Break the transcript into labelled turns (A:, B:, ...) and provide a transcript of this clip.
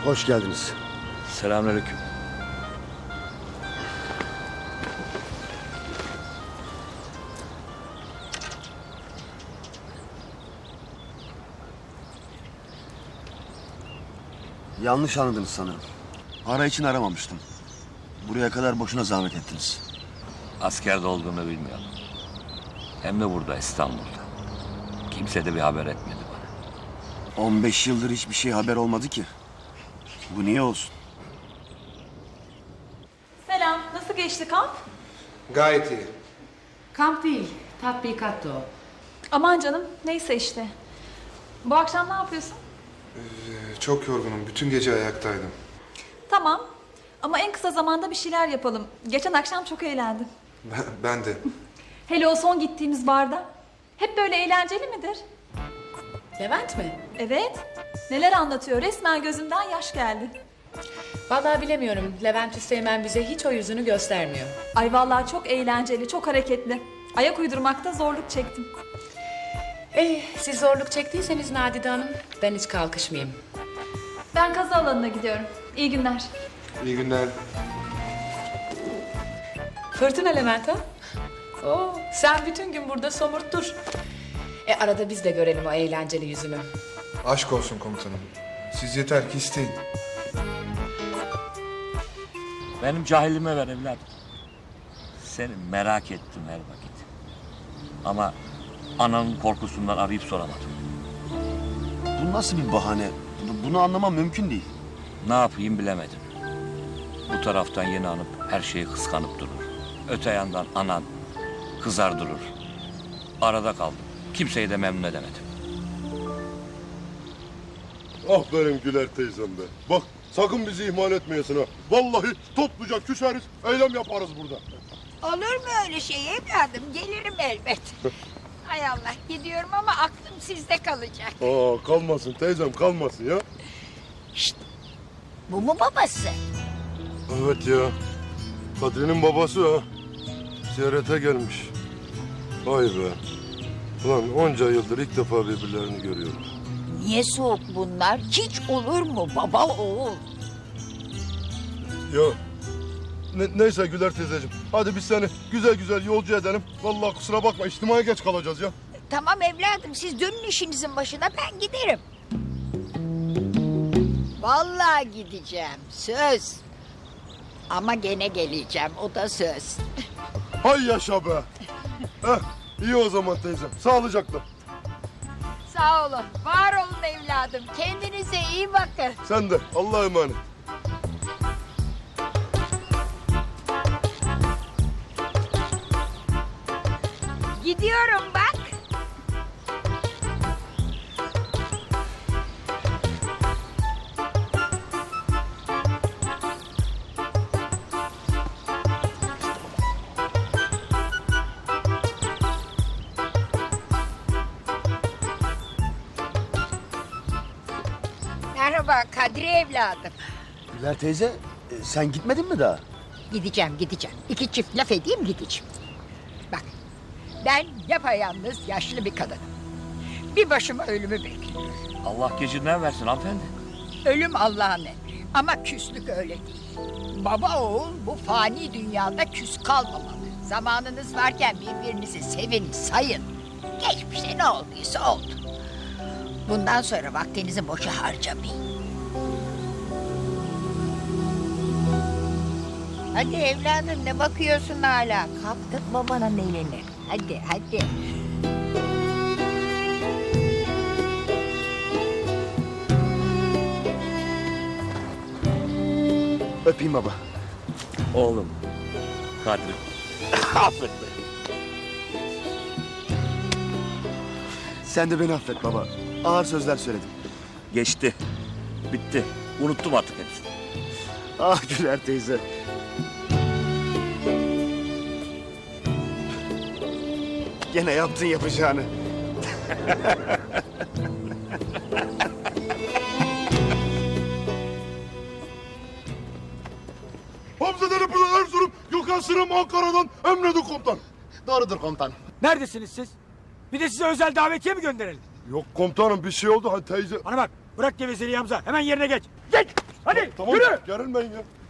A: Hoş geldiniz.
B: Selamünaleyküm.
A: Yanlış anladınız sanırım. Para için aramamıştım. Buraya kadar boşuna zahmet ettiniz.
B: Askerde olduğunu bilmiyordum. Hem de burada İstanbul'da. Kimse de bir haber etmedi bana.
A: 15 yıldır hiçbir şey haber olmadı ki. Bu niye olsun?
C: Selam, nasıl geçti kamp?
D: Gayet iyi.
E: Kamp değil, tatbikattı o.
C: Aman canım, neyse işte. Bu akşam ne yapıyorsun?
D: Çok yorgunum. Bütün gece ayaktaydım.
C: Tamam, ama en kısa zamanda bir şeyler yapalım. Geçen akşam çok eğlendim.
D: Ben de.
C: Hele o son gittiğimiz barda. Hep böyle eğlenceli midir?
E: Levent mi?
C: Evet, neler anlatıyor, resmen gözümden yaş geldi.
E: Vallahi bilemiyorum. Levent Üsteğmen bize hiç o yüzünü göstermiyor.
C: Ay vallahi çok eğlenceli, çok hareketli. Ayak uydurmakta zorluk çektim.
E: Siz zorluk çektiyseniz Nadide Hanım, ben hiç kalkışmayayım.
C: Ben kazı alanına gidiyorum. İyi günler.
D: İyi günler.
E: Fırtına Levent ha? Oo, sen bütün gün burada somurt dur. Arada biz de görelim o eğlenceli yüzünü.
D: Aşk olsun komutanım. Siz yeter ki isteyin.
B: Benim cahilliğime ver evladım. Seni merak ettim her vakit. Ama ananın korkusundan arayıp soramadım.
A: Bu nasıl bir bahane? Bunu anlamam mümkün değil.
B: Ne yapayım bilemedim. Bu taraftan yeni hanım her şeyi kıskanıp durur. Öte yandan anan kızar durur. Arada kaldım. Kimseyi de memnun edemedim.
F: Ah benim Güler teyzem be. Bak sakın bizi ihmal etmeyesin ha. Vallahi topluca küseriz, eylem yaparız burada.
G: Olur mu öyle şey evladım? Gelirim elbet. Hay Allah gidiyorum ama aklım sizde kalacak.
F: Aa kalmasın teyzem kalmasın ya.
G: Bu mu babası?
F: Evet ya. Kadri'nin babası ha. Ziyarete gelmiş. Vay be. Ulan onca yıldır ilk defa birbirlerini görüyoruz.
G: Niye soğuk bunlar? Hiç olur mu baba oğul?
F: Ya neyse Güler teyzeciğim. Hadi biz seni güzel güzel yolcu edelim. Vallahi kusura bakma içtimaya geç kalacağız ya.
G: Tamam evladım siz dönün işinizin başına ben giderim. Vallahi gideceğim söz. Ama gene geleceğim o da söz.
F: Hay yaşa be. İyi o zaman teyzem. Sağlıcakla.
G: Sağ olun var olun evladım kendinize iyi bakın.
F: Sen de Allah'a emanet.
G: Gidiyorum bak. Merhaba Kadri evladım.
A: Güler teyze, sen gitmedin mi daha?
G: Gideceğim. İki çift laf edeyim gideceğim. Bak ben yapayalnız yaşlı bir kadınım. Bir başıma ölümü bekliyorum.
B: Allah gecinden versin hanımefendi.
G: Ölüm Allah'ın emri ama küslük öyle değil. Baba oğul bu fani dünyada küs kalmamalı. Zamanınız varken birbirinizi sevin, sayın. Geçmişte ne olduysa oldu. Bundan sonra vaktinizi boşa harcamayın. Hadi evladım ne bakıyorsun hala? Kaptık babanın elini. Hadi.
A: Öpeyim baba.
B: Oğlum. Kadri. Affet beni.
A: Sen de beni affet baba. Ağır sözler söyledim.
B: Geçti. Bitti. Unuttum artık hepsini.
A: Ah Güler teyze. Gene yaptın yapacağını.
F: Hamzade'nin buradan Erzurum, Gökhan Sırım Ankara'dan emredin komutan.
A: Doğrudur komutan.
H: Neredesiniz siz? Bir de size özel davetiye mi gönderelim?
F: Yok komutanım bir şey oldu. Hadi teyze.
H: Bana bak, bırak gevezeliği Hamza. Hemen yerine geç. Geç! Hadi
F: Tamam
H: yürü.
F: gerilmeyin ya.